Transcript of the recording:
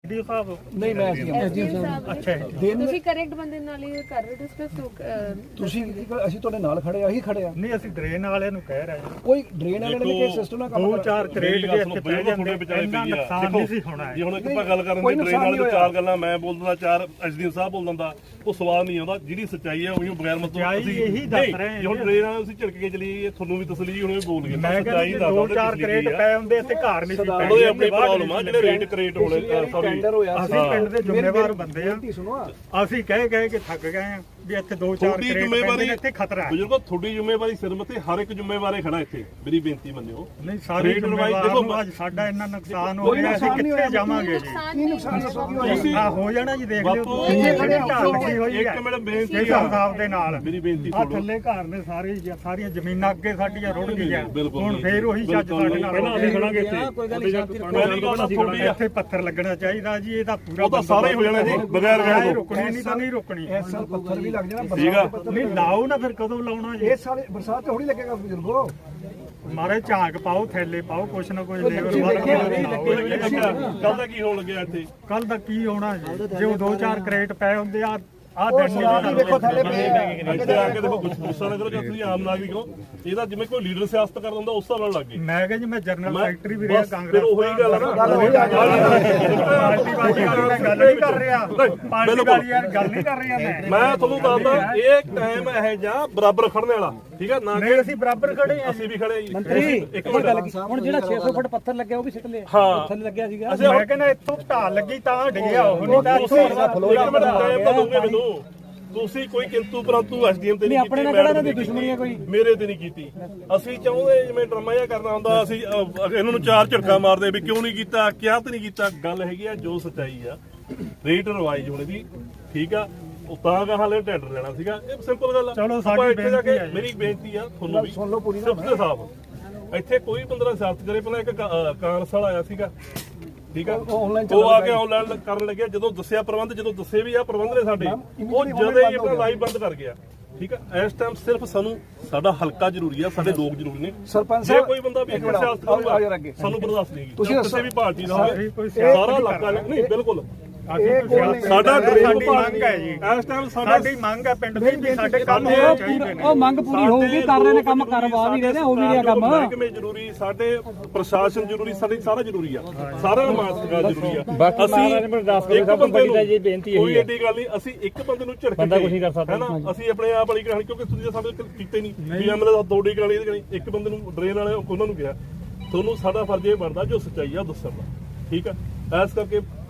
ਨਹੀਂ ਮੈਂ ਅੱਛਾ ਤੁਸੀਂ ਕਰੈਕਟ ਬੰਦੇ ਨਾਲ ਹੀ ਕਰ ਰਹੇ ਡਿਸਕਸ ਤੁਸੀਂ ਅਸੀਂ ਤੁਹਾਡੇ ਨਾਲ ਖੜੇ ਆ, ਅਸੀਂ ਖੜੇ ਆ। ਨਹੀਂ ਅਸੀਂ ਡਰੇਨ ਵਾਲਿਆਂ ਨੂੰ ਕਹਿ ਰਹੇ ਹਾਂ ਕੋਈ ਡਰੇਨ ਵਾਲਿਆਂ ਨੇ ਕਿ ਸਿਸਟਮ ਨਾਲ ਕੰਮ ਦੋ ਚਾਰ ਕਰੇਟ ਜੇ ਇੱਥੇ ਪੈ ਜਾਂਦੇ ਇੰਨਾ ਨੁਕਸਾਨ ਨਹੀਂ ਸੀ ਹੋਣਾ ਜੇ ਹੁਣ ਇੱਕ ਆਪਾਂ ਗੱਲ ਕਰਨ ਦੀ ਡਰੇਨ ਵਾਲੇ ਤੋਂ ਚਾਰ ਗੱਲਾਂ ਮੈਂ ਬੋਲ ਦਿੰਦਾ, ਚਾਰ ਐਸਡੀਐਮ ਸਾਹਿਬ ਬੋਲ ਦਿੰਦਾ, ਉਹ ਸਵਾਦ ਨਹੀਂ ਆਉਂਦਾ। ਜਿਹੜੀ ਸੱਚਾਈ ਹੈ ਉਹੀ ਬਗੈਰ ਮਤਲਬ ਅਸੀਂ ਇਹੀ ਦੱਸ ਰਹੇ ਹਾਂ। ਹੁਣ ਡਰੇਨ ਵਾਲੇ ਅਸੀਂ ਝਿੜਕ ਕੇ ਚਲੀਏ, ਤੁਹਾਨੂੰ ਵੀ ਤਸਲੀ ਹੁਣ ਬੋਲ ਗਏ। ਮੈਂ ਕਹਿੰਦਾ ਦੋ ਚਾਰ ਕਰੇਟ ਪਏ ਹੁੰਦੇ ਇੱਥੇ ਘਰ ਨਹੀਂ ਸੀ ਪੈਂਦੇ। ਉਹਦੇ ਆਪਣੀ ਪ੍ਰੋਬਲਮ ਆ, ਜਿਹੜੇ ਰੇਟ ਕਰੇਟ ਹੋਣੇ ਸੌਰੀ ਅਸੀਂ ਪਿੰਡ ਦੇ ਜ਼ਿੰਮੇਵਾਰ ਬੰਦੇ ਆ। ਅਸੀਂ ਕਹਿ ਕੇ ਥੱਕ ਗਏ ਆ ਵੀ ਇੱਥੇ ਦੋ ਚਾਰ ਕਰੇਟ ਪੈਂਦੇ ਇੱਥੇ ਖਤਰਾ ਹੈ। ਬਜ਼ੁਰਗੋ ਤੁਹਾਡੀ ਜ਼ਿੰਮੇਵਾਰੀ ਸਿਰ ਮੱਥੇ ਹਰ ਇੱਕ ਜ਼ਿੰਮੇਵਾਰੇ ਖੜਾ ਇੱਥੇ। ਮੇਰੀ ਬੇਨਤੀ ਮੰਨਿਓ, ਨਹੀਂ ਸਾਰੀ ਜ਼ਿੰਮੇਵਾਰੀ ਅੱਜ ਸਾਡਾ ਇੰਨਾ ਨੁਕਸਾਨ ਹੋ ਰਿਹਾ, ਅਸੀਂ ਕਿੱਥੇ ਜਾਵਾਂਗੇ ਜੀ? ਤੁਸੀਂ ਹੋ ਜਾਣਾ ਜੀ, ਦੇਖ ਲਿਓ ਲੱਗੀ ਹੋਈ ਇੱਕ ਮਿੰਟ ਬੇਨਤੀ ਇਸ ਹਿਸਾਬ ਦੇ ਨਾਲ। ਮੇਰੀ ਬੇਨਤੀ ਆ ਥੱਲੇ ਘਰ ਨੇ ਸਾਰੀਆਂ ਜ਼ਮੀਨਾਂ ਅੱਗੇ ਸਾਡੀਆਂ ਰੁੜ ਗਈਆਂ। ਹੁਣ ਫੇਰ ਉਹੀ ਚੱਜ ਸਾਡੇ ਨਾਲ ਅਸੀਂ ਖੜਾਂਗੇ ਇੱਥੇ। ਇੱਥੇ ਪੱਥਰ ਲੱਗਣਾ ਚਾਹੀਦਾ ਜੀ, ਇਹਦਾ ਪੂਰਾ ਉਹ ਤਾਂ ਸਾਰਾ ਹੀ ਹੋ ਜਾਣਾ ਜੀ, ਬਗੈਰ ਵਿਆਹ ਤੋਂ। ਰੁਕਣੀ ਨਹੀਂ ਤਾਂ ਨਹੀਂ ਰੁਕਣੀ। ਇਸ ਸਾਲ ਪੱਥਰ ਵੀ ਲੱਗ ਜਾਣਾ, ਠੀਕ ਆ। ਨਹੀਂ ਲਾਓ ਨਾ, ਫਿਰ ਕਦੋਂ ਲਾਉਣਾ ਜੀ? ਇਸ ਸਾਲ ਬਰਸਾਤ ਥੋੜੀ ਲੱਗੇਗਾ ਬਜ਼ੁਰਗੋ। ਮਾਰੇ ਝਾਂਕ ਪਾਓ, ਥੈਲੇ ਪਾਓ, ਕੁਛ ਨਾ ਕੁਛ ਲੇਬਰ ਕੱਲ ਦਾ ਕੀ ਹੋਣ ਲੱਗਿਆ ਇੱਥੇ? ਕੱਲ ਦਾ ਕੀ ਹੋਣਾ ਜੀ? ਜੇ ਉਹ ਦੋ ਚਾਰ ਕਰੇਟ ਪਏ ਹੁੰਦੇ ਆ ਦੇਖੋ ਥੱਲੇ ਪਏ ਇੱਥੇ ਆ ਕੇ ਦੇਖੋ, ਗੁੱਸਾ ਨਾ ਕਰੋ ਜੇ ਤੁਸੀਂ ਆਮ ਨਾਗਰਿਕ ਹੋ। ਇਹਦਾ ਜਿਵੇਂ ਕੋਈ ਲੀਡਰ ਸਿਆਸਤ ਕਰਦਾ ਹੁੰਦਾ ਉਸ ਹਿਸਾਬ ਨਾਲ ਲੱਗ ਗਏ। ਮੈਂ ਕਿਹਾ ਜੀ ਮੈਂ ਜਨਰਲ ਸੈਕਟਰੀ ਵੀ ਰਿਹਾ ਕਾਂਗਰਸ। ਫਿਰ ਉਹੀ ਗੱਲ ਆ ਨਾ, ਪਾਰਟੀ ਵਾਲੀ ਗੱਲ ਨਹੀਂ ਕਰ ਰਿਹਾ, ਪਾਰਟੀ ਵਾਲੀ ਗੱਲ ਨਹੀਂ ਕਰ ਰਿਹਾ ਮੈਂ ਤੁਹਾਨੂੰ ਦੱਸਦਾ ਇਹ ਟਾਈਮ ਇਹ ਜਾਂ ਬਰਾਬਰ ਖੜਨ ਵਾਲਾ, ਠੀਕ ਆ ਨਾ? ਨਹੀਂ ਅਸੀਂ ਬਰਾਬਰ ਖੜੇ ਆ, ਅਸੀਂ ਵੀ ਖੜੇ ਜੀ। ਮੰਤਰੀ ਇੱਕ ਮਿੰਟ ਹੁਣ ਜਿਹੜਾ 600 ਫੁੱਟ ਪੱਥਰ ਲੱਗਿਆ ਉਹ ਵੀ ਸਿੱਟ ਲਿਆ। ਹਾਂ ਥੱਲੇ ਲੱਗਿਆ ਸੀਗਾ। ਮੈਂ ਕਹਿੰਦਾ ਇੱਥੋਂ ਢਾਲ ਲੱਗੀ ਤਾਂ ਡਿੱਗਿਆ ਉਹ, ਨਹੀਂ ਤਾਂ ਤੁਸੀਂ ਟਾਈਮ ਤਾਂ ਦੋਗੇ ਮੈਨੂੰ। ਤੁਸੀਂ ਕੋਈ ਕਿੰਤੂ ਪਰੰਤੂ ਐਸਡੀਐਮ ਤੇ ਨਹੀਂ ਕੀਤੀ, ਕਿਹੜਾ ਦੀ ਦੁਸ਼ਮਣੀ ਹੈ ਕੋਈ? ਮੇਰੇ ਤੇ ਨਹੀਂ ਕੀਤੀ। ਅਸੀਂ ਚਾਹੁੰਦੇ ਜਿਵੇਂ ਡਰਾਮਾ ਜਿਹਾ ਕਰਨਾ ਹੁੰਦਾ, ਅਸੀਂ ਇਹਨਾਂ ਨੂੰ ਚਾਰ ਝਟਕਾ ਮਾਰਦੇ ਵੀ ਕਿਉਂ ਨਹੀਂ ਕੀਤਾ, ਕਿਹਾ ਤੇ ਨਹੀਂ ਕੀਤਾ। ਗੱਲ ਹੈਗੀ ਆ ਜੋ ਸੱਚਾਈ ਆ, ਰੇਟ ਰਿਵਾਈਜ਼ ਹੋਣੀ ਦੀ, ਠੀਕ ਆ। ਉਹ ਤਾਂ ਕਹਾਂ ਲੈ ਟੈਂਡਰ ਲੈਣਾ ਸੀਗਾ, ਇਹ ਸਿੰਪਲ ਗੱਲ ਆ। ਚਲੋ ਸਾਡੀ ਬੇਨਤੀ ਆ, ਮੇਰੀ ਬੇਨਤੀ ਆ ਤੁਹਾਨੂੰ ਵੀ, ਸੁਣ ਲਓ ਪੂਰੀ ਸਿਫਤ ਸਾਹਿਬ ਇੱਥੇ ਕੋਈ 15 ਸਿਆਸਤ ਕਰੇ। ਪਹਿਲਾਂ ਇੱਕ ਕਾਂਗਰਸ ਵਾਲਾ ਆਇਆ ਸੀਗਾ, ਠੀਕ ਆ, ਉਹ ਆ ਕੇ ਆਨਲਾਈਨ ਕਰਨ ਲੱਗਿਆ। ਜਦੋਂ ਦੱਸਿਆ ਪ੍ਰਬੰਧ, ਜਦੋਂ ਦੱਸੇ ਵੀ ਆ ਪ੍ਰਬੰਧ ਨੇ ਸਾਡੇ, ਉਹ ਜਦੋਂ ਹੀ ਆਪਣਾ ਲਾਈਵ ਬੰਦ ਕਰ ਗਿਆ, ਠੀਕ ਆ। ਇਸ ਟਾਈਮ ਸਿਰਫ ਸਾਨੂੰ ਸਾਡਾ ਹਲਕਾ ਜ਼ਰੂਰੀ ਆ, ਸਾਡੇ ਲੋਕ ਜ਼ਰੂਰੀ ਨੇ। ਸਰਪੰਚ ਜੇ ਕੋਈ ਬੰਦਾ ਵੀ ਸਿਆਸਤ ਕਰੂਗਾ ਸਾਨੂੰ ਬਰਦਾਸ਼ਤ ਨਹੀਂ ਹੈਗੀ। ਤੁਸੀਂ ਕਿਸੇ ਵੀ ਪਾਰਟੀ ਦਾ ਹੋਵੇ, ਸਾਰਾ ਇਲਾਕਾ ਨਹੀਂ, ਬਿਲਕੁਲ ਸਾਡਾ ਸਾਡੀ ਮੰਗ ਹੈ ਜੀ। ਇਸ ਟਾਈਮ ਸਾਡੀ ਮੰਗ ਹੈ ਪਿੰਡ ਦੀ ਵੀ ਸਾਡੇ ਕੰਮ ਹੋਣੇ ਚਾਹੀਦੇ ਨੇ। ਉਹ ਮੰਗ ਪੂਰੀ ਹੋਊਗੀ, ਕਰ ਰਹੇ ਨੇ ਕੰਮ, ਕਰਵਾ ਵੀ ਰਹੇ ਨੇ, ਹੋ ਵੀ ਰਿਹਾ ਕੰਮ। ਮਹਿਕਮੇ ਜ਼ਰੂਰੀ, ਸਾਡੇ ਪ੍ਰਸ਼ਾਸਨ ਜ਼ਰੂਰੀ, ਸਾਡੇ ਸਾਰਾ ਜ਼ਰੂਰੀ ਆ, ਸਾਰਾ ਮਾਤਕਾਰ ਜ਼ਰੂਰੀ ਆ। ਅਸੀਂ ਇੱਕ ਬੰਦੇ ਨੂੰ ਕੋਈ ਏਡੀ ਗੱਲ ਨਹੀਂ, ਅਸੀਂ ਇੱਕ ਬੰਦੇ ਨੂੰ ਝੜਕ ਕੇ ਹੈ ਨਾ, ਅਸੀਂ ਆਪਣੇ ਆਪ ਵਾਲੀ ਕਹਾਣੀ, ਕਿਉਂਕਿ ਤੁਸੀਂ ਸਾਡੇ ਕੀਤੇ ਨਹੀਂ ਵੀ ਐਮਐਲਏ ਦੋੜੀ ਕਹਾਣੀ ਇਹਦੀ ਕਹਾਣੀ। ਇੱਕ ਬੰਦੇ ਨੂੰ ਡਰੇਨ ਵਾਲੇ ਉਹਨਾਂ ਨੂੰ ਕਿਹਾ, ਤੁਹਾਨੂੰ ਸਾਡਾ ਫਰਜ਼ ਇਹ ਬਣਦਾ ਜੋ ਸੱਚਾਈ ਆ ਦੱਸਣ ਦਾ, ਠੀਕ ਆ। ਇਸ ਕਰਕੇ